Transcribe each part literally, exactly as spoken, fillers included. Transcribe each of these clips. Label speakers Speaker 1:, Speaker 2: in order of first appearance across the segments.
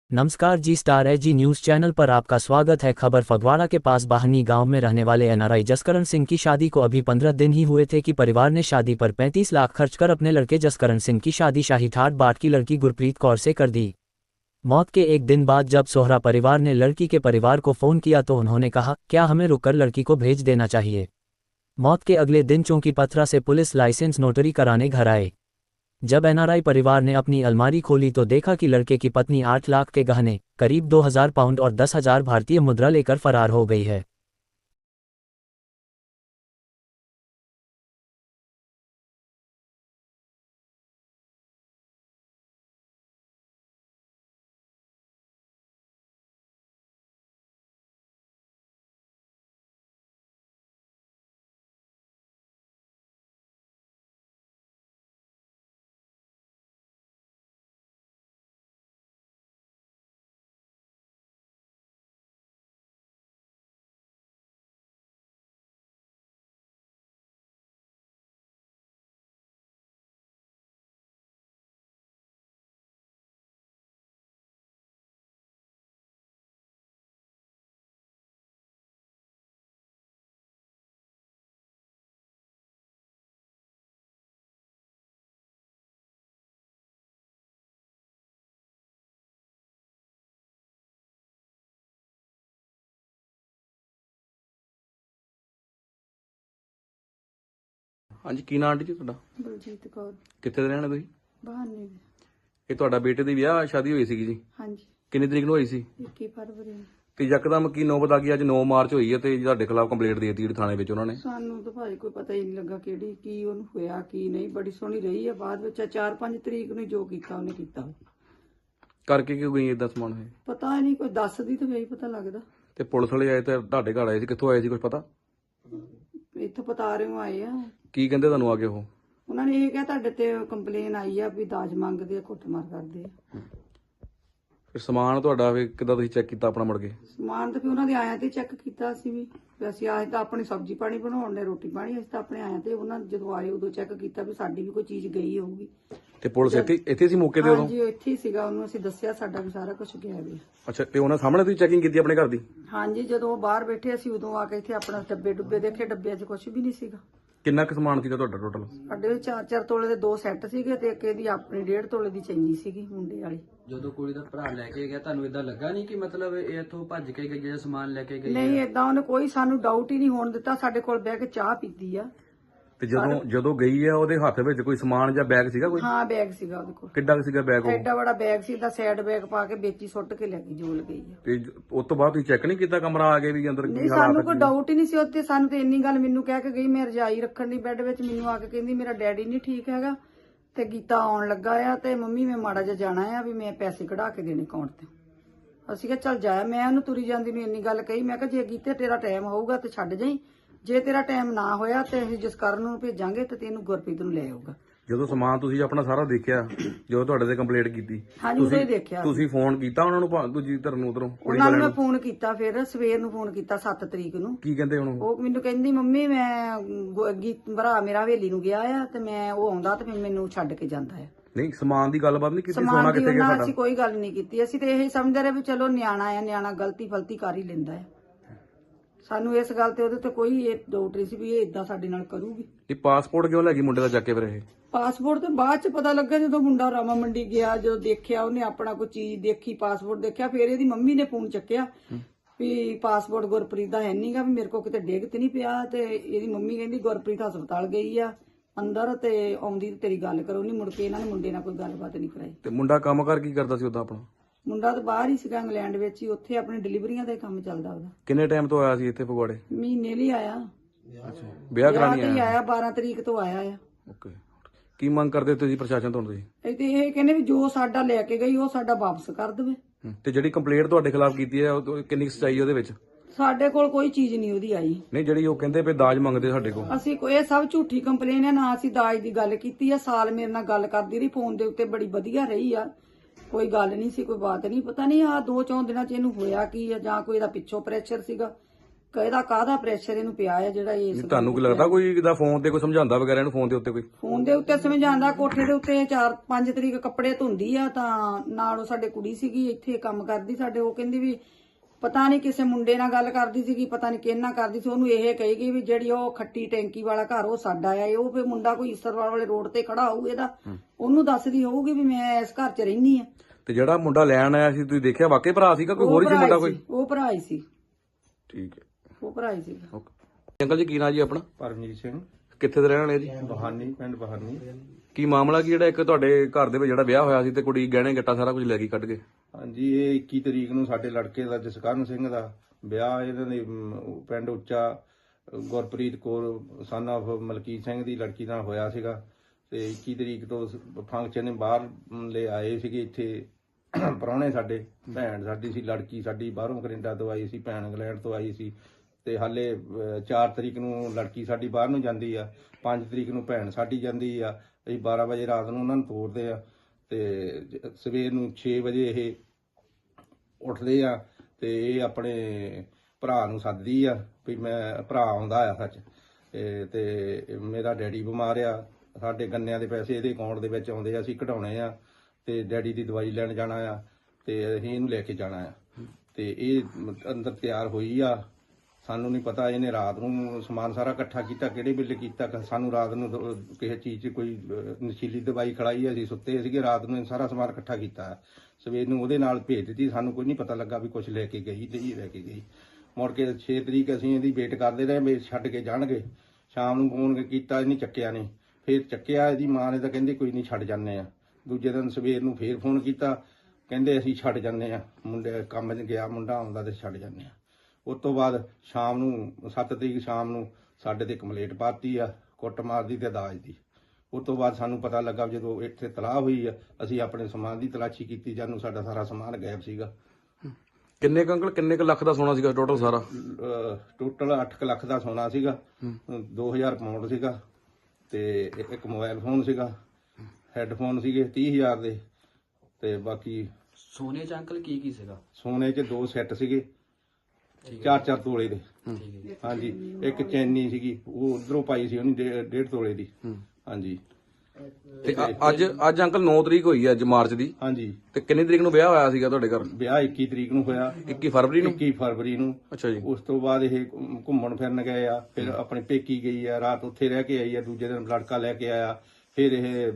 Speaker 1: नमस्कार जी, star H G news channel पर आपका स्वागत है। खबर फगवाड़ा के पास बाहनी गांव में रहने वाले एनआरआई जसकरण सिंह की शादी को अभी पंद्रह दिन ही हुए थे कि परिवार ने शादी पर पैंतीस लाख खर्च कर अपने लड़के जसकरण सिंह की शादी शाही ठाट बाट की लड़की गुरप्रीत कौर से कर दी। मौत के एक दिन बाद जब सोहरा परिवार ने लड़की के परिवार को फ़ोन किया तो उन्होंने कहा, क्या हमें रुककर लड़की को भेज देना चाहिए। मौत के अगले दिन चौकी पथरा से पुलिस लाइसेंस नोटरी कराने घर आए। जब एनआरआई परिवार ने अपनी अलमारी खोली तो देखा कि लड़के की पत्नी आठ लाख के गहने, करीब दो हज़ार पाउंड और दस हज़ार भारतीय मुद्रा लेकर फरार हो गई है।
Speaker 2: ਹਾਂਜੀ, ਕੀ ਨਾਂ ਆਂਟੀ ਜੀ ਤੁਹਾਡਾ?
Speaker 3: ਬਲਜੀਤ ਕੌਰ।
Speaker 2: ਕਿੱਥੇ ਦੇ ਰਹਿਣਾ ਤੁਸੀਂ?
Speaker 3: ਬਹਾਨੇ ਦੀ।
Speaker 2: ਇਹ ਤੁਹਾਡਾ ਬੇਟੇ ਦੀ ਵਿਆਹ ਸ਼ਾਦੀ ਹੋਈ ਸੀਗੀ ਜੀ?
Speaker 3: ਹਾਂਜੀ,
Speaker 2: ਕਿੰਨੀ ਤਰੀਕ ਨੂੰ ਹੋਈ ਸੀ?
Speaker 3: ਇੱਕੀ ਫਰਵਰੀ ਨੂੰ।
Speaker 2: ਤੇ ਯਕਦਮ ਕੀ ਨੌਬਤ ਆ ਗਈ ਅੱਜ ਨੌ ਮਾਰਚ ਹੋਈ ਹੈ ਤੇ ਤੁਹਾਡੇ ਖਿਲਾਫ ਕੰਪਲੇਂਟ ਦੇ ਦਿੱਤੀ ਜਿਹੜੀ ਥਾਣੇ ਵਿੱਚ ਉਹਨਾਂ ਨੇ?
Speaker 3: ਸਾਨੂੰ ਤਾਂ ਭਾਈ ਕੋਈ ਪਤਾ ਹੀ ਨਹੀਂ ਲੱਗਾ ਕਿਹੜੀ ਕੀ ਉਹਨੂੰ ਹੋਇਆ ਕੀ ਨਹੀਂ। ਬੜੀ ਸੋਹਣੀ ਰਹੀ ਆ, ਬਾਅਦ ਵਿੱਚ ਚਾਰ ਪੰਜ ਤਰੀਕ ਨੂੰ ਜੋ ਕੀਤਾ ਉਹਨੇ ਕੀਤਾ।
Speaker 2: ਕਰਕੇ ਕਿਉਂ ਗਈ ਏਦਾਂ ਸਮਾਨ ਹੈ?
Speaker 3: ਪਤਾ ਹੀ ਨਹੀਂ, ਕੋਈ ਦੱਸਦੀ ਤਾਂ ਫੇਰ ਹੀ ਪਤਾ ਲੱਗਦਾ।
Speaker 2: ਤੇ ਪੁਲਿਸ ਵਾਲੇ ਆਏ ਤੇ ਤੁਹਾਡੇ ਘਰ ਆਏ ਸੀ, ਕਿੱਥੋਂ ਆਏ ਸੀ ਕੁਝ ਪਤਾ?
Speaker 3: ਇੱਥੋਂ ਪਤਾਰਿਓਂ ਆਏ ਆ।
Speaker 2: ਕੀ ਕਹਿੰਦੇ ਤੁਹਾਨੂੰ ਆ ਕੇ ਉਹ?
Speaker 3: ਉਹਨਾਂ ਨੇ ਇਹ ਕਿਹਾ ਤੁਹਾਡੇ ਤੇ ਕੰਪਲੇਨ ਆਈ ਆ ਵੀ ਦਾਜ ਮੰਗਦੇ ਆ, ਕੁੱਟਮਾਰ ਕਰਦੇ ਆ।
Speaker 2: ਫਿਰ ਸਮਾਨ ਤੁਹਾਡਾ ਵੀ ਕਿੱਦਾਂ ਤੁਸੀਂ ਚੈੱਕ ਕੀਤਾ ਆਪਣਾ ਮੁੜ ਕੇ?
Speaker 3: ਸਮਾਨ ਤਾਂ ਫਿਰ ਉਹਨਾਂ ਦੇ ਆਇਆਂ ਤੇ ਚੈੱਕ ਕੀਤਾ ਸੀ ਵੀ ਵੀ ਅਸੀਂ ਆਏ ਤਾਂ ਆਪਣੀ ਸਬਜ਼ੀ ਪਾਣੀ ਬਣਾਉਣ ਨੇ, ਰੋਟੀ ਪਾਣੀ ਅਸੀਂ ਤਾਂ ਆਪਣੇ ਆਇਆਂ ਤੇ ਉਹਨਾਂ ਜਦੋਂ ਆਏ ਉਦੋਂ ਚੈੱਕ ਕੀਤਾ ਵੀ ਸਾਡੀ ਵੀ ਕੋਈ ਚੀਜ਼ ਗਈ ਹੋਊਗੀ।
Speaker 2: ਤੇ ਪੁਲਿਸ ਇੱਥੇ ਇੱਥੇ ਸੀ ਮੌਕੇ ਤੇ ਉਦੋਂ?
Speaker 3: ਹਾਂਜੀ, ਉਹ ਇੱਥੇ ਹੀ ਸੀਗਾ। ਉਹਨੂੰ ਅਸੀਂ ਦੱਸਿਆ ਸਾਡਾ ਵੀ ਸਾਰਾ ਕੁਝ ਗਿਆ ਵੀ।
Speaker 2: ਅੱਛਾ, ਤੇ ਉਹਨਾਂ ਸਾਹਮਣੇ ਤੁਸੀਂ ਚੈਕਿੰਗ ਕੀਤੀ ਆਪਣੇ ਘਰ ਦੀ?
Speaker 3: ਹਾਂਜੀ, ਜਦੋਂ ਉਹ ਬਾਹਰ ਬੈਠੇ ਅਸੀਂ ਉਦੋਂ ਆ ਕੇ ਇੱਥੇ ਆਪਣਾ ਡੱਬੇ ਡੁੱਬੇ ਦੇਖੇ। ਡੱਬਿਆਂ 'ਚ ਕੁਝ ਵੀ ਨਹੀਂ ਸੀਗਾ।
Speaker 2: ਕਿੰਨਾ ਕੁ ਸਮਾਨ ਸੀਗਾ ਤੁਹਾਡਾ ਟੋਟਲ?
Speaker 3: ਸਾਡੇ ਵਿੱਚ ਚਾਰ ਚਾਰ ਤੋਲੇ ਦੇ ਦੋ ਸੈੱਟ ਸੀਗੇ ਤੇ ਇੱਕ ਇਹਦੀ ਆਪਣੀ ਡੇਢ ਤੋਲੇ ਦੀ ਚੈਨੀ ਸੀਗੀ ਮੁੰਡੇ ਵਾਲੀ।
Speaker 4: ਜਦੋਂ ਕੁੜੀ ਦਾ ਭਰਾ ਲੈ ਕੇ ਗਿਆ ਤੁਹਾਨੂੰ ਇਦਾਂ ਲੱਗਾ ਨਹੀਂ ਕਿ ਮਤਲਬ ਇਹ ਇੱਥੋਂ ਭੱਜ ਕੇ ਗਈ ਜਾਂ ਸਮਾਨ ਲੈ ਕੇ ਗਈ?
Speaker 3: ਨਹੀਂ, ਏਦਾਂ ਉਹਨੇ ਕੋਈ ਸਾਨੂੰ ਡਾਊਟ ਹੀ ਨਹੀਂ ਹੋਣ ਦਿੱਤਾ। ਸਾਡੇ ਕੋਲ ਬਹਿ ਕੇ ਚਾਹ ਪੀਤੀ ਆ।
Speaker 2: ਤੇ ਜਦੋਂ ਜਦੋਂ ਗਈ ਆ ਉਹਦੇ ਹੱਥ ਵਿੱਚ ਕੋਈ ਸਮਾਨ ਜਾਂ ਬੈਗ ਸੀਗਾ ਕੋਈ?
Speaker 3: ਹਾਂ, ਬੈਗ ਸੀਗਾ ਉਹਦੇ ਕੋਲ।
Speaker 2: ਕਿੱਡਾ ਕੁ ਸੀਗਾ ਬੈਗ ਉਹ?
Speaker 3: ਐਡਾ ਬੜਾ ਬੈਗ ਸੀ ਦਾ ਸਾਈਡ ਬੈਗ ਪਾ ਕੇ ਵਿੱਚ ਹੀ ਸੁੱਟ ਕੇ ਲੈ ਗਈ, ਜੋਲ ਗਈ ਆ।
Speaker 2: ਤੇ ਉਸ ਤੋਂ ਬਾਅਦ ਤੁਸੀਂ ਚੈੱਕ ਨਹੀਂ ਕੀਤਾ ਕਮਰਾ ਆ ਕੇ ਵੀ ਅੰਦਰ
Speaker 3: ਨਹੀਂ,
Speaker 2: ਕੀ ਹਾਲਾਤ
Speaker 3: ਸਾਨੂੰ
Speaker 2: ਆ?
Speaker 3: ਕੋਈ ਡਾਊਟ ਹੀ ਨਹੀਂ ਸੀ ਉੱਤੇ। ਸਾਨੂੰ ਤੇ ਇੰਨੀ ਗੱਲ ਮੈਨੂੰ ਕਹਿ ਕੇ ਗਈ, ਮੈਂ ਰਜਾਈ ਰੱਖਣ ਦੀ ਬੈੱਡ ਵਿੱਚ, ਮੈਨੂੰ ਆ ਕੇ ਕਹਿੰਦੀ ਮੇਰਾ ਡੈਡੀ ਨਹੀਂ ਠੀਕ ਹੈਗਾ ਤੇ ਗੀਤਾ ਆਉਣ ਲੱਗਾ ਆ ਤੇ ਮੰਮੀ ਮੈਂ ਮਾੜਾ ਜਿਹਾ ਜਾਣਾ ਆ ਵੀ ਮੈਂ ਪੈਸੇ ਕਢਾ ਕੇ ਦੇਣੇ ਅਕਾਊਂਟ ਤੇ। ਅਸੀਂ ਕਿਹਾ ਚੱਲ ਜਾਇਆ। ਮੈਂ ਉਹਨੂੰ ਤੁਰੀ ਜਾਂਦੀ ਨੂੰ ਇੰਨੀ ਗੱਲ ਕਹੀ, ਮੈਂ ਕਿਹਾ ਜੇ ਗੀਤੇ ਤੇਰਾ ਟਾਈਮ ਹੋਊਗਾ ਤੇ ਛੱਡ ਜਾਈ, ਜੇ ਤੇਰਾ ਟਾਈਮ ਨਾ ਹੋਇਆ ਤੇ ਅਸੀਂ ਜਸਕਰਨ ਨੂੰ ਭੇਜਾਂਗੇ ਤੇ ਤੈਨੂੰ ਗੁਰਪ੍ਰੀਤ ਨੂੰ ਲੈ ਆਊਗਾ।
Speaker 2: ਜਦੋਂ ਸਮਾਨ ਤੁਸੀਂ ਆਪਣਾ ਸਾਰਾ ਦੇਖਿਆ, ਜਦੋਂ ਤੁਹਾਡੇ ਤੇ ਕੰਪਲੇਂਟ ਕੀਤੀ,
Speaker 3: ਹਾਂਜੀ, ਉਦੋਂ ਹੀ ਦੇਖਿਆ।
Speaker 2: ਤੁਸੀਂ ਫੋਨ ਕੀਤਾ ਉਹਨਾਂ ਨੂੰ? ਭਾ- ਦੂਜੀ ਧਰ ਨੂੰ ਉਧਰੋਂ
Speaker 3: ਉਹਨਾਂ ਨੂੰ ਮੈਂ ਫੋਨ ਕੀਤਾ, ਫਿਰ ਸਵੇਰ ਨੂੰ ਫੋਨ ਕੀਤਾ ਸੱਤ ਤਰੀਕ ਨੂੰ।
Speaker 2: ਕੀ ਕਹਿੰਦੇ ਹੁਣ?
Speaker 3: ਉਹ ਮੈਨੂੰ ਕਹਿੰਦੀ ਮੰਮੀ ਮੈਂ ਗੁ- ਗੀ- ਭਰਾ ਮੇਰਾ ਹਵੇਲੀ ਨੂੰ ਗਿਆ ਆ ਤੇ ਮੈਂ ਉਹ ਆਉਂਦਾ ਤੇ ਫਿਰ ਮੈਨੂੰ ਛੱਡ ਕੇ ਜਾਂਦਾ ਆ।
Speaker 2: ਨਹੀਂ, ਸਮਾਨ ਦੀ ਗੱਲਬਾਤ ਨਹੀਂ ਕੀਤੀ? ਸੋਨਾ
Speaker 3: ਸਮਾਨ ਦੀ
Speaker 2: ਕਿੱਥੇ ਗਿਆ
Speaker 3: ਉਹਨਾਂ
Speaker 2: ਸਾਡਾ?
Speaker 3: ਅਸੀਂ ਕੋਈ ਗੱਲ ਨਹੀਂ ਕੀਤੀ। ਅਸੀਂ ਤੇ ਇਹੀ ਸਮਝਦੇ ਰਹੇ ਵੀ ਚਲੋ ਨਿਆਣਾ ਆ, ਨਿਆਣਾ ਗਲਤੀ ਫਲਤੀ ਕਰ ਹੀ ਲੈਂਦਾ ਆ। ਸਾਨੂੰ ਇਸ ਗੱਲ ਤੇ ਉਹਦੇ ਤੇ ਕੋਈ ਇਹ ਡਾਊਟ ਨਹੀਂ ਸੀ ਵੀ ਇਹ ਇਦਾਂ ਸਾਡੇ ਨਾਲ ਕਰੂਗੀ।
Speaker 2: ਇਹ ਪਾਸਪੋਰਟ ਕਿਉਂ ਲੈ ਗਈ ਮੁੰਡੇ ਦਾ ਚੱਕ ਕੇ ਫਿਰ ਇਹ?
Speaker 3: ਪਾਸਪੋਰਟ ਤੇ ਬਾਅਦ ਚ ਪਤਾ ਲੱਗਾ ਜਦੋਂ ਮੁੰਡਾ ਰਾਮਾ ਮੰਡੀ ਗਿਆ, ਜਦੋਂ ਦੇਖਿਆ ਉਹਨੇ ਆਪਣਾ ਕੋਈ ਚੀਜ਼ ਦੇਖੀ, ਪਾਸਪੋਰਟ ਦੇਖਿਆ, ਫਿਰ ਇਹਦੀ ਮੰਮੀ ਨੇ ਫੋਨ ਚੱਕਿਆ ਵੀ ਪਾਸਪੋਰਟ ਗੁਰਪ੍ਰੀਤ ਦਾ ਹੈ ਨਹੀਂਗਾ, ਵੀ ਮੇਰੇ ਕੋਲ ਕਿਤੇ ਡਿੱਗ ਤੇ ਨਹੀਂ ਪਿਆ। ਤੇ ਇਹਦੀ ਮੰਮੀ ਕਹਿੰਦੀ ਗੁਰਪ੍ਰੀਤ ਹਸਪਤਾਲ ਗਈ ਆ ਅੰਦਰ ਤੇ ਆਉਂਦੀ ਤੇ ਤੇਰੀ ਗੱਲ ਕਰੋ। ਨਹੀਂ, ਮੁੜ ਕੇ ਇਹਨਾਂ ਨੇ ਮੁੰਡੇ ਨਾਲ ਕੋਈ ਗੱਲਬਾਤ ਨਹੀਂ ਕਰਾਈ।
Speaker 2: ਤੇ ਮੁੰਡਾ ਕੰਮ ਕਰ ਕੀ ਕਰਦਾ ਸੀ ਉਦਾਂ ਆਪਣਾ?
Speaker 3: ਮੁੰਡਾ ਤਾਂ ਬਾਹਰ ਹੀ ਸੀਗਾ, ਇੰਗਲੈਂਡ ਵਿੱਚ ਹੀ। ਉੱਥੇ ਆਪਣੀ ਡਿਲੀਵਰੀਆਂ ਦਾ ਹੀ ਕੰਮ ਚੱਲਦਾ ਉਹਦਾ।
Speaker 2: ਕਿੰਨੇ ਟਾਈਮ ਤੋਂ ਆਇਆ ਸੀ ਇੱਥੇ ਫਗਵਾੜੇ?
Speaker 3: ਮਹੀਨੇ ਲਈ ਆਇਆ।
Speaker 2: ਅੱਛਾ, ਵਿਆਹ ਕਰਾਣੀ
Speaker 3: ਤੇ ਹੀ
Speaker 2: ਆਇਆ?
Speaker 3: ਆਇਆ, ਬਾਰਾਂ ਤਰੀਕ ਤੋਂ ਆਇਆ ਆ।
Speaker 2: ਓਕੇ, ਕੀ ਮੰਗ ਕਰਦੇ ਤੁਸੀਂ ਪ੍ਰਸ਼ਾਸਨ ਤੋਂ? ਤੁਸੀਂ
Speaker 3: ਇਹ ਤੇ ਇਹ ਕਹਿੰਦੇ ਵੀ ਜੋ ਸਾਡਾ ਲੈ ਕੇ ਗਈ ਉਹ ਸਾਡਾ ਵਾਪਸ ਕਰ ਦੇਵੇ।
Speaker 2: ਹੂੰ। ਤੇ ਜਿਹੜੀ ਕੰਪਲੇਂਟ ਤੁਹਾਡੇ ਖਿਲਾਫ ਕੀਤੀ ਹੈ ਉਹ ਕਿੰਨੀ ਸੱਚਾਈ ਉਹਦੇ ਵਿੱਚ?
Speaker 3: ਸਾਡੇ ਕੋਲ ਕੋਈ ਚੀਜ਼ ਨਹੀਂ ਉਹਦੀ ਆਈ।
Speaker 2: ਨਹੀਂ, ਜਿਹੜੀ ਉਹ ਕਹਿੰਦੇ ਵੀ ਦਾਜ ਮੰਗਦੇ ਸਾਡੇ ਕੋਲ?
Speaker 3: ਅਸੀਂ ਕੋਈ ਇਹ ਸਭ ਝੂਠੀ ਕੰਪਲੇਨ ਹੈ। ਨਾ ਅਸੀਂ ਦਾਜ ਦੀ ਗੱਲ ਕੀਤੀ ਆ। ਸਾਲ ਮੇਰੇ ਨਾਲ ਗੱਲ ਕਰਦੀ ਰਹੀ ਫੋਨ ਦੇ ਉੱਤੇ, ਬੜੀ ਵਧੀਆ ਰਹੀ ਆ। ਕੋਈ ਗੱਲ ਨਹੀਂ ਸੀ, ਕੋਈ ਬਾਤ ਨਹੀਂ। ਪਤਾ ਨਹੀਂ ਆ ਦੋ ਚੌਂ ਦਿਨਾਂ ਚ ਇਹਨੂੰ ਹੋਇਆ ਕੀ ਆ, ਜਾਂ ਕੋਈ ਇਹਦਾ ਪਿੱਛੋਂ ਪ੍ਰੈਸ਼ਰ ਸੀਗਾ ਇਹਦਾ ਕਾਹਦਾ ਪ੍ਰੈਸ਼ਰ ਇਹਨੂੰ ਪਿਆ ਹੈ ਜਿਹੜਾ ਇਸ
Speaker 2: ਤੁਹਾਨੂੰ ਕੀ ਲੱਗਦਾ ਕੋਈ ਕਿਦਾ ਫੋਨ ਤੇ ਕੋਈ ਸਮਝਾਉਂਦਾ ਵਗੈਰਾ ਇਹਨੂੰ ਫੋਨ ਦੇ ਉੱਤੇ ਕੋਈ?
Speaker 3: ਫੋਨ ਦੇ ਉੱਤੇ ਸਮਝਾਉਂਦਾ, ਕੋਠੇ ਦੇ ਉੱਤੇ ਚਾਰ ਪੰਜ ਤਰੀਕ ਕੱਪੜੇ ਧੁੰਦੀ ਆ, ਤਾਂ ਨਾਲ ਉਹ ਸਾਡੇ ਕੁੜੀ ਸੀਗੀ ਇੱਥੇ ਕੰਮ ਕਰਦੀ ਸਾਡੇ, ਉਹ ਕਹਿੰਦੀ ਵੀ ਪਤਾ ਨਹੀਂ ਕਿਸੇ ਮੁੰਡੇ ਨਾਲ ਗੱਲ ਕਰਦੀ ਸੀਗੀ, ਪਤਾ ਨਹੀਂ ਕਿਹਨਾਂ ਕਰਦੀ ਸੀ, ਉਹਨੂੰ ਇਹ ਕਹੇਗੀ ਵੀ ਜਿਹੜੀ ਉਹ ਖੱਟੀ ਟੈਂਕੀ ਵਾਲਾ ਘਰ ਉਹ ਸਾਡਾ ਆ, ਉਹ ਫੇ ਮੁੰਡਾ ਕੋਈ ਈਸਰਵਾਲ ਵਾਲੇ ਰੋਡ ਤੇ ਖੜਾ ਹੋਊ ਇਹਦਾ, ਉਹਨੂੰ ਦੱਸਦੀ ਹੋਊਗੀ ਵੀ ਮੈਂ ਇਸ ਘਰ 'ਚ ਰਹਿਨੀ ਆ।
Speaker 2: ਤੇ ਜਿਹੜਾ ਮੁੰਡਾ ਲੈਣ ਆਇਆ ਸੀ ਤੁਸੀਂ ਦੇਖਿਆ ਵਾਕਈ ਭਰਾ ਸੀਗਾ ਕੋਈ ਹੋਰ ਹੀ ਸੀ ਮੁੰਡਾ ਕੋਈ?
Speaker 3: ਉਹ ਭਰਾ ਹੀ ਸੀ।
Speaker 2: ਠੀਕ ਹੈ,
Speaker 3: ਉਹ ਭਰਾ ਹੀ ਸੀ।
Speaker 2: ਓਕੇ ਅੰਕਲ ਜੀ ਕੀ ਨਾਂ ਜੀ ਆਪਣਾ?
Speaker 5: ਪਰਮਜੀਤ ਸਿੰਘ,
Speaker 2: ਕਿੱਥੇ ਦੇ ਰਹਿਣ ਵਾਲੇ ਜੀ?
Speaker 5: ਬਹਾਨੀ, ਪਿੰਡ ਬਹਾਨੀ।
Speaker 2: ਕੀ ਮਾਮਲਾ ਕੀ ਜਿਹੜਾ ਇੱਕ ਤੁਹਾਡੇ ਘਰ ਦੇ ਵਿੱਚ ਜਿਹੜਾ ਵਿਆਹ ਹੋਇਆ ਸੀ ਤੇ ਕੁੜੀ ਗਹਿਣੇ ਗੱਟਾ ਸਾਰਾ ਕੁਝ ਲੈ ਗਈ ਕੱਢ ਕੇ?
Speaker 5: ਹਾਂਜੀ, ਇਹ ਇੱਕੀ ਤਰੀਕ ਨੂੰ ਸਾਡੇ ਲੜਕੇ ਦਾ ਜਸਕਰਨ ਸਿੰਘ ਦਾ ਵਿਆਹ ਇਹਨਾਂ ਦੇ ਅਮ, ਪਿੰਡ ਉੱਚਾ ਗੁਰਪ੍ਰੀਤ ਕੌਰ ਸਨ ਆਫ ਮਲਕੀਤ ਸਿੰਘ ਦੀ ਲੜਕੀ ਨਾਲ ਹੋਇਆ ਸੀਗਾ। ਤੇ ਇੱਕੀ ਤਰੀਕ ਤੋਂ ਫੰਕਸ਼ਨ ਬਾਹਰ ਲੈ ਆਏ ਸੀਗੇ ਇੱਥੇ ਪ੍ਰਾਹੁਣੇ ਸਾਡੇ, ਭੈਣ ਸਾਡੀ ਸੀ, ਲੜਕੀ ਸਾਡੀ ਬਾਹਰੋਂ ਕੈਨੇਡਾ ਤੋਂ ਆਈ ਸੀ, ਭੈਣ ਇੰਗਲੈਂਡ ਤੋਂ ਆਈ ਸੀ। ਤੇ ਹਾਲੇ ਚਾਰ ਤਰੀਕ ਨੂੰ ਲੜਕੀ ਸਾਡੀ ਬਾਹਰ ਨੂੰ ਜਾਂਦੀ ਆ, ਪੰਜ ਤਰੀਕ ਨੂੰ ਭੈਣ ਸਾਡੀ ਜਾਂਦੀ ਆ। ਅਸੀਂ ਬਾਰਾਂ ਵਜੇ ਰਾਤ ਨੂੰ ਉਹਨਾਂ ਨੂੰ ਤੋਰਦੇ ਆ ਤੇ ਸਵੇਰ ਨੂੰ ਛੇ ਵਜੇ ਇਹ ਉੱਠਦੇ ਆ ਤੇ ਇਹ ਆਪਣੇ ਭਰਾ ਨੂੰ ਸੱਦਦੀ ਆ ਵੀ ਮੈਂ ਭਰਾ ਆਉਂਦਾ ਆ ਸੱਚ ਤੇ ਤੇ ਮੇਰਾ ਡੈਡੀ ਬਿਮਾਰ ਆ, ਸਾਡੇ ਗੰਨਿਆਂ ਦੇ ਪੈਸੇ ਇਹਦੇ ਅਕਾਊਂਟ ਦੇ ਵਿੱਚ ਆਉਂਦੇ ਆ, ਅਸੀਂ ਕਢਾਉਣੇ ਆ ਤੇ ਡੈਡੀ ਦੀ ਦਵਾਈ ਲੈਣ ਜਾਣਾ ਆ ਤੇ ਅਸੀਂ ਇਹਨੂੰ ਲੈ ਕੇ ਜਾਣਾ ਆ। ਤੇ ਇਹ ਅੰਦਰ ਤਿਆਰ ਹੋਈ ਆ, ਸਾਨੂੰ ਨਹੀਂ ਪਤਾ ਇਹਨੇ ਰਾਤ ਨੂੰ ਸਮਾਨ ਸਾਰਾ ਇਕੱਠਾ ਕੀਤਾ, ਕਿਹੜੇ ਵੇਲੇ ਕੀਤਾ, ਸਾਨੂੰ ਰਾਤ ਨੂੰ ਕਿਸੇ ਚੀਜ਼ 'ਚ ਕੋਈ ਨਸ਼ੀਲੀ ਦਵਾਈ ਖੜਾਈ, ਅਸੀਂ ਸੁੱਤੇ ਸੀਗੇ, ਰਾਤ ਨੂੰ ਸਾਰਾ ਸਮਾਨ ਇਕੱਠਾ ਕੀਤਾ, ਸਵੇਰ ਨੂੰ ਉਹਦੇ ਨਾਲ ਭੇਜ ਦਿੱਤੀ। ਸਾਨੂੰ ਕੋਈ ਨਹੀਂ ਪਤਾ ਲੱਗਾ ਵੀ ਕੁਝ ਲੈ ਕੇ ਗਈ ਤੇ ਹੀ ਲੈ ਕੇ ਗਈ। ਮੁੜ ਕੇ ਛੇ ਤਰੀਕ ਅਸੀਂ ਇਹਦੀ ਵੇਟ ਕਰਦੇ ਰਹੇ ਵੀ ਛੱਡ ਕੇ ਜਾਣਗੇ। ਸ਼ਾਮ ਨੂੰ ਫੋਨ ਕੀਤਾ, ਇਹਨੇ ਚੱਕਿਆ ਨਹੀਂ, ਫਿਰ ਚੱਕਿਆ ਇਹਦੀ ਮਾਂ ਨੇ ਤਾਂ ਕਹਿੰਦੇ ਕੋਈ ਨਹੀਂ ਛੱਡ ਜਾਂਦੇ ਆ। ਦੂਜੇ ਦਿਨ ਸਵੇਰ ਨੂੰ ਫੇਰ ਫੋਨ ਕੀਤਾ, ਕਹਿੰਦੇ ਅਸੀਂ ਛੱਡ ਜਾਂਦੇ ਆ, ਮੁੰਡੇ ਕੰਮ 'ਚ ਗਿਆ ਮੁੰਡਾ ਆਉਂਦਾ ਤੇ ਛੱਡ ਜਾਂਦੇ ਆ। ਉਸ ਤੋਂ ਬਾਅਦ ਸ਼ਾਮ ਨੂੰ ਸੱਤ ਤਰੀਕ ਸ਼ਾਮ ਨੂੰ ਸਾਡੇ ਤੇ ਕੰਪਲੇਂਟ ਪਾਤੀ ਆ ਕੁੱਟਮਾਰ ਦੀ ਤੇ ਦਾਜ ਦੀ। ਉਸ ਤੋਂ ਬਾਅਦ ਸਾਨੂੰ ਪਤਾ ਲੱਗਾ ਜਦੋਂ ਇੱਥੇ ਤਲਾਹ ਹੋਈ ਆ, ਅਸੀਂ ਆਪਣੇ ਸਮਾਨ ਦੀ ਤਲਾਸ਼ੀ ਕੀਤੀ, ਜਾਨੂੰ ਸਾਡਾ ਸਾਰਾ ਸਮਾਨ ਗਾਇਬ ਸੀਗਾ।
Speaker 2: ਕਿੰਨੇ ਕੁ ਅੰਕਲ ਕਿੰਨੇ ਕੁ ਲੱਖ ਦਾ ਸੋਨਾ ਸੀਗਾ ਟੋਟਲ ਸਾਰਾ?
Speaker 5: ਟੋਟਲ ਅੱਠ ਕੁ ਲੱਖ ਦਾ ਸੋਨਾ ਸੀਗਾ, ਦੋ ਹਜ਼ਾਰ ਪਾਉਂਡ ਸੀਗਾ ਤੇ ਇੱਕ ਮੋਬਾਈਲ ਫੋਨ ਸੀਗਾ, ਹੈੱਡਫੋਨ ਸੀਗੇ ਤੀਹ ਹਜ਼ਾਰ ਦੇ ਤੇ ਬਾਕੀ
Speaker 4: ਸੋਨੇ ਚ ਅੰਕਲ ਕੀ ਕੀ ਸੀਗਾ?
Speaker 5: ਸੋਨੇ 'ਚ ਦੋ ਸੈੱਟ ਸੀਗੇ ਚਾਰ ਚਾਰ ਤੋਲੇ ਦੇ। ਹਾਂਜੀ, ਇੱਕ ਚੈਨੀ ਸੀਗੀ ਉਹ ਉਧਰੋਂ ਪਾਈ ਸੀ ਉਹਨੇ ਡੇ- ਡੇਢ ਤੋਲੇ ਦੀ। ਹਾਂਜੀ
Speaker 2: ਤੇ ਅ- ਅੱਜ ਅੱਜ ਅੰਕਲ ਨੌ ਤਰੀਕ ਹੋਈ ਹੈ ਅੱਜ ਮਾਰਚ ਦੀ,
Speaker 5: ਹਾਂਜੀ।
Speaker 2: ਤੇ ਕਿੰਨੀ ਤਰੀਕ ਨੂੰ ਵਿਆਹ ਹੋਇਆ ਸੀਗਾ ਤੁਹਾਡੇ ਘਰ?
Speaker 5: ਵਿਆਹ ਇੱਕੀ ਤਰੀਕ ਨੂੰ ਹੋਇਆ,
Speaker 2: ਇੱਕੀ ਫਰਵਰੀ ਨੂੰ।
Speaker 5: ਇੱਕੀ ਫਰਵਰੀ ਨੂੰ।
Speaker 2: ਅੱਛਾ ਜੀ।
Speaker 5: ਉਸ ਤੋਂ ਬਾਅਦ ਇਹ ਘੁੰਮਣ ਫਿਰਨ ਗਏ ਆ, ਫਿਰ ਆਪਣੇ ਪੇਕੀ ਗਈ ਆ, ਰਾਤ ਉੱਥੇ ਰਹਿ ਕੇ ਆਈ ਆ, ਦੂਜੇ ਦਿਨ ਲੜਕਾ ਲੈ ਕੇ ਆਇਆ। ਫਿਰ ਇਹ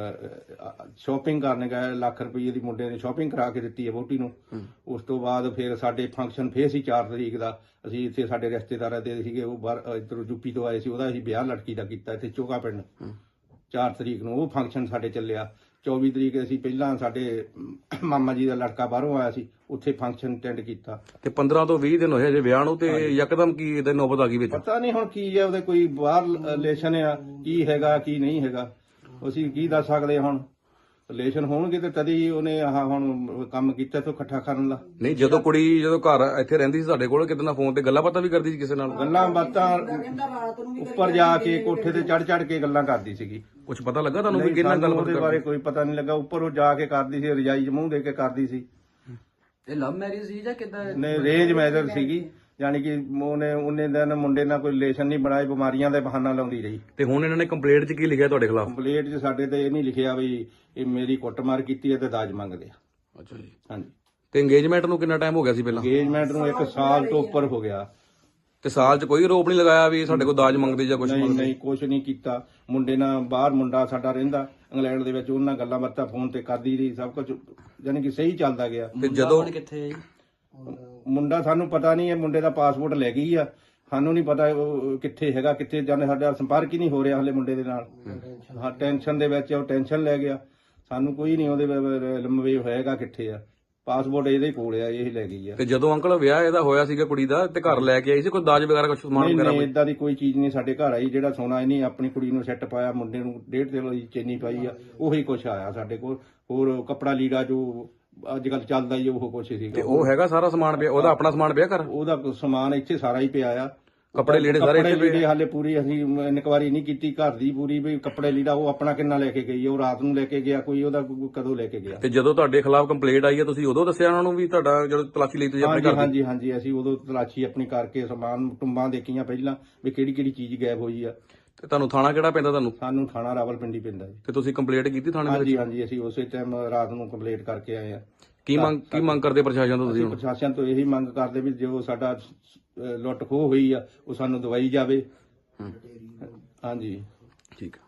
Speaker 5: ਸ਼ਾਪਿੰਗ ਕਰਨ ਗਏ, ਲੱਖ ਰੁਪਏ ਦੀ ਮੁੰਡੇ ਨੇ ਸ਼ਾਪਿੰਗ ਕਰਾ ਕੇ ਦਿੱਤੀ ਹੈ ਵਹੁਟੀ ਨੂੰ। ਉਸ ਤੋਂ ਬਾਅਦ ਫਿਰ ਸਾਡੇ ਫੰਕਸ਼ਨ ਫੇਰ ਸੀ ਚਾਰ ਤਰੀਕ ਦਾ, ਅਸੀਂ ਇੱਥੇ ਸਾਡੇ ਰਿਸ਼ਤੇਦਾਰਾਂ ਦੇ ਸੀਗੇ, ਉਹ ਬਾਹਰ ਇੱਧਰੋਂ ਯੂਪੀ ਤੋਂ ਆਏ ਸੀ, ਉਹਦਾ ਅਸੀਂ ਵਿਆਹ ਲੜਕੀ ਦਾ ਕੀਤਾ ਇੱਥੇ ਚੋਗਾ ਪਿੰਡ। ਚਾਰ ਤਰੀਕ ਨੂੰ ਉਹ ਫੰਕਸ਼ਨ ਸਾਡੇ ਚੱਲਿਆ। ਚੌਵੀ ਤਰੀਕ ਅਸੀਂ ਪਹਿਲਾਂ ਸਾਡੇ ਮਾਮਾ ਜੀ ਦਾ ਲੜਕਾ ਬਾਹਰੋਂ ਆਇਆ ਸੀ, ਉੱਥੇ ਫੰਕਸ਼ਨ ਅਟੈਂਡ ਕੀਤਾ।
Speaker 2: ਤੇ ਪੰਦਰਾਂ ਤੋਂ ਵੀਹ ਦਿਨ ਹੋਏ ਜੇ ਵਿਆਹ ਨੂੰ ਤੇ ਯਕਦਮ ਕੀ ਇਹਦੇ ਨੌਬਤ ਆ ਗਈ ਵਿੱਚ?
Speaker 5: ਪਤਾ ਨਹੀਂ ਹੁਣ ਕੀ ਹੈ, ਉਹਦੇ ਕੋਈ ਬਾਹਰ ਰਿਲੇਸ਼ਨ ਆ, ਕੀ ਹੈਗਾ ਕੀ ਨਹੀਂ ਹੈਗਾ, ਅਸੀਂ ਕੀ ਦੱਸ ਸਕਦੇ। ਹੁਣ ਰਿਲੇਸ਼ਨ ਹੋਣਗੇ ਤੇ ਤਦ ਹੀ ਉਹਨੇ ਆਹ ਹੁਣ ਕੰਮ ਕੀਤਾ ਤੋਂ ਇਕੱਠਾ ਕਰਨ ਦਾ।
Speaker 2: ਨਹੀਂ, ਜਦੋਂ ਕੁੜੀ ਜਦੋਂ ਘਰ ਇੱਥੇ ਰਹਿੰਦੀ ਸੀ ਸਾਡੇ ਕੋਲ, ਕਿਤੇ ਫੋਨ ਤੇ ਗੱਲਾਂ ਬਾਤਾਂ ਵੀ ਕਰਦੀ ਸੀ ਕਿਸੇ ਨਾਲ?
Speaker 5: ਗੱਲਾਂ ਬਾਤਾਂ ਉੱਪਰ ਜਾ ਕੇ ਕੋਠੇ ਤੇ ਚੜ ਚੜ ਕੇ ਗੱਲਾਂ ਕਰਦੀ ਸੀਗੀ।
Speaker 2: ਕੁਝ ਪਤਾ ਲੱਗਾ ਤੁਹਾਨੂੰ ਵੀ
Speaker 5: ਨਹੀਂ,
Speaker 2: ਕਿੰਨਾ
Speaker 5: ਸਾਨੂੰ
Speaker 2: ਗੱਲਬਾਤ
Speaker 5: ਉਹਦੇ ਬਾਰੇ ਕੋਈ ਪਤਾ ਨਹੀਂ ਲੱਗਾ। ਉੱਪਰ ਉਹ ਜਾ ਕੇ ਕਰਦੀ ਸੀ, ਰਜਾਈ 'ਚ ਮੂੰਹ ਦੇ ਕੇ ਕਰਦੀ ਸੀ।
Speaker 4: ਇਹ ਲਵ ਮੈਰਿਜ ਸੀ ਜਾਂ ਕਿੱਦਾਂ?
Speaker 5: ਨੇ ਰੇਂਜ ਮੈਰਿਜ ਸੀਗੀ, ਯਾਨੀ ਕਿ ਉਹਨੇ ਉਹਨੇ ਦਿਨ ਮੁੰਡੇ ਨਾਲ ਕੋਈ ਰਿਲੇਸ਼ਨ ਨਹੀਂ ਬਣਾਏ, ਬਿਮਾਰੀਆਂ ਦੇ ਬਹਾਨਾ ਲਾਉਂਦੀ ਰਹੀ।
Speaker 2: ਤੇ ਹੁਣ ਇਹਨਾਂ ਨੇ ਕੰਪਲੇਂਟ 'ਚ ਕੀ ਲਿਖਿਆ ਤੁਹਾਡੇ ਖਿਲਾਫ?
Speaker 5: ਕੰਪਲੇਂਟ 'ਚ ਸਾਡੇ ਤੇ ਇਹ ਨਹੀਂ ਲਿਖਿਆ ਵੀ ਇਹ ਮੇਰੀ ਕੁੱਟਮਾਰ ਕੀਤੀ ਹੈ ਤੇ ਦਾਜ ਮੰਗਦੇ ਆ।
Speaker 2: ਅੱਛਾ ਜੀ।
Speaker 5: ਹਾਂਜੀ।
Speaker 2: ਤੇ ਇੰਗੇਜਮੈਂਟ ਨੂੰ ਕਿੰਨਾ ਟਾਈਮ ਹੋ ਗਿਆ ਸੀ ਪਹਿਲਾਂ?
Speaker 5: ਇੰਗੇਜਮੈਂਟ ਨੂੰ ਇੱਕ ਸਾਲ ਤੋਂ ਉੱਪਰ ਹੋ ਗਿਆ।
Speaker 2: ਤੇ ਸਾਲ 'ਚ ਕੋਈ ਆਰੋਪ ਨਹੀਂ ਲਗਾਇਆ ਵੀ ਸਾਡੇ ਕੋਲ ਦਾਜ ਮੰਗਦੇ ਜਾਂ ਕੁਝ
Speaker 5: ਨਹੀਂ
Speaker 2: ਮੰਗਦੇ?
Speaker 5: ਨਹੀਂ, ਕੁਛ ਨਹੀਂ ਕੀਤਾ। ਮੁੰਡੇ ਨਾਲ ਬਾਹਰ ਮੁੰਡਾ ਸਾਡਾ ਰਹਿੰਦਾ ਇੰਗਲੈਂਡ ਦੇ ਵਿੱਚ, ਉਹਨਾਂ ਗੱਲਾਂ ਬਾਤਾਂ ਫੋਨ ਤੇ ਕਰਦੀ ਰਹੀ, ਸਭ ਕੁਝ ਯਾਨੀ ਕਿ ਸਹੀ ਚੱਲਦਾ ਗਿਆ।
Speaker 2: ਤੇ ਜਦੋਂ
Speaker 4: ਕਿੱਥੇ ਹੈ ਜੀ
Speaker 5: ਮੁੰਡਾ ਸਾਨੂੰ ਪਤਾ ਨਹੀਂ, ਇਹ ਮੁੰਡੇ ਦਾ ਪਾਸਪੋਰਟ ਲੈ ਗਈ ਆ, ਸਾਨੂੰ ਨਹੀਂ ਪਤਾ ਉਹ ਕਿੱਥੇ ਹੈਗਾ ਕਿੱਥੇ ਜਾਂਦੇ, ਸਾਡਾ ਸੰਪਰਕ ਹੀ ਨਹੀਂ ਹੋ ਰਿਹਾ ਹਲੇ ਮੁੰਡੇ ਦੇ ਨਾਲ। ਹਾਂ, ਟੈਨਸ਼ਨ ਦੇ ਵਿੱਚ ਉਹ ਟੈਨਸ਼ਨ ਲੈ ਗਿਆ, ਸਾਨੂੰ ਕੋਈ ਨਹੀਂ ਉਹਦੇ ਲੰਮੇ ਹੋਏਗਾ ਕਿੱਥੇ ਆ। ਪਾਸਪੋਰਟ ਇਹਦੇ ਕੋਲ ਆ, ਇਹ ਲੈ ਗਈ ਆ।
Speaker 2: ਤੇ ਜਦੋਂ ਅੰਕਲ ਵਿਆਹ ਇਹਦਾ ਹੋਇਆ ਸੀਗਾ ਕੁੜੀ ਦਾ ਤੇ ਘਰ ਲੈ ਕੇ ਆਈ ਸੀ ਕੋਈ ਦਾਜ ਵਗੈਰਾ ਕੁਝ ਸਮਾਨ
Speaker 5: ਨਹੀਂ
Speaker 2: ਵਗੈਰਾ?
Speaker 5: ਨਹੀਂ, ਇਦਾਂ ਦੀ ਕੋਈ ਚੀਜ਼ ਨਹੀਂ ਸਾਡੇ ਘਰ ਆਈ। ਜਿਹੜਾ ਸੋਨਾ ਇਹਨੇ ਆਪਣੀ ਕੁੜੀ ਨੂੰ ਸੈੱਟ ਪਾਇਆ, ਮੁੰਡੇ ਨੂੰ ਡੇਢ ਕਿਲੋ ਦੀ ਚੈਨੀ ਪਾਈ ਆ, ਉਹੀ ਕੁਛ ਆਇਆ ਸਾਡੇ ਕੋਲ। ਹੋਰ ਕੱਪੜਾ ਲੀੜਾ ਜੋ ਅੱਜ ਕੱਲ ਚੱਲਦਾ ਹੀ ਉਹ ਕੁਛ
Speaker 2: ਤੇ
Speaker 5: ਸੀਗਾ।
Speaker 2: ਉਹ ਹੈਗਾ ਸਾਰਾ ਸਮਾਨ ਪਿਆ ਉਹਦਾ? ਆਪਣਾ ਸਮਾਨ ਪਿਆ ਘਰ?
Speaker 5: ਉਹਦਾ ਸਮਾਨ ਇੱਥੇ ਸਾਰਾ ਹੀ ਪਿਆ ਆ।
Speaker 2: ਕੱਪੜੇ ਲੀੜੇ ਸਾਰੇ
Speaker 5: ਕੱਪੜੇ
Speaker 2: ਇੱਥੇ ਪਏ
Speaker 5: ਲੀੜੇ ਹਾਲੇ ਪੂਰੀ ਅਸੀਂ ਇਨਕੁਆਰੀ ਨਹੀਂ ਕੀਤੀ ਘਰ ਦੀ ਪੂਰੀ ਵੀ ਕੱਪੜੇ ਲੀੜਾ ਉਹ ਆਪਣਾ ਕਿੰਨਾ ਲੈ ਕੇ ਗਈ ਹੈ, ਉਹ ਰਾਤ ਨੂੰ ਲੈ ਕੇ ਗਿਆ ਕੋਈ, ਉਹਦਾ ਕੋਈ ਕਦੋਂ ਲੈ ਕੇ ਗਿਆ।
Speaker 2: ਤੇ ਜਦੋਂ ਤੁਹਾਡੇ ਖਿਲਾਫ ਕੰਪਲੇਂਟ ਆਈ ਹੈ ਤੁਸੀਂ ਉਦੋਂ ਦੱਸਿਆ ਉਹਨਾਂ ਨੂੰ ਵੀ ਤੁਹਾਡਾ ਜਦੋਂ ਤਲਾਸ਼ੀ ਲਈ ਤੁਸੀਂ ਆਪਣੇ
Speaker 5: ਹਾਂਜੀ
Speaker 2: ਘਰ ਦੀ?
Speaker 5: ਹਾਂਜੀ ਹਾਂਜੀ ਅਸੀਂ ਉਦੋਂ ਤਲਾਸ਼ੀ ਆਪਣੀ ਕਰਕੇ ਸਮਾਨ ਟੁੰਬਾਂ ਦੇਖੀਆਂ ਪਹਿਲਾਂ ਵੀ ਕਿਹੜੀ ਕਿਹੜੀ ਚੀਜ਼ ਗਾਇਬ ਹੋਈ ਆ।
Speaker 2: ਤੇ ਤੁਹਾਨੂੰ ਥਾਣਾ ਕਿਹੜਾ ਪੈਂਦਾ ਤੁਹਾਨੂੰ?
Speaker 5: ਸਾਨੂੰ ਥਾਣਾ ਰਾਵਲਪਿੰਡੀ ਪੈਂਦਾ ਜੀ।
Speaker 2: ਤੇ ਤੁਸੀਂ ਕੰਪਲੇਂਟ ਕੀਤੀ ਥਾਣੇ ਦੇ
Speaker 5: ਹਾਂਜੀ
Speaker 2: ਵਿੱਚ?
Speaker 5: ਹਾਂਜੀ ਅਸੀਂ ਉਸੇ ਟਾਈਮ ਰਾਤ ਨੂੰ ਕੰਪਲੀਟ ਕਰਕੇ ਆਏ ਆ।
Speaker 2: ਕੀ ਮੰਗ ਕੀ ਮੰਗ ਕਰਦੇ ਪ੍ਰਸ਼ਾਸਨ ਤੋਂ ਤੁਸੀਂ
Speaker 5: ਅਸੀਂ
Speaker 2: ਹੁਣ?
Speaker 5: ਪ੍ਰਸ਼ਾਸਨ ਤੋਂ ਇਹੀ ਮੰਗ ਕਰਦੇ ਵੀ ਜੋ ਸਾਡਾ ਅਹ, ਲੁੱਟ ਖੋਹ ਹੋਈ ਆ ਉਹ ਸਾਨੂੰ ਦਵਾਈ ਜਾਵੇ।
Speaker 2: ਹੂੰ,
Speaker 5: ਹਾਂਜੀ
Speaker 2: ਠੀਕ ਆ।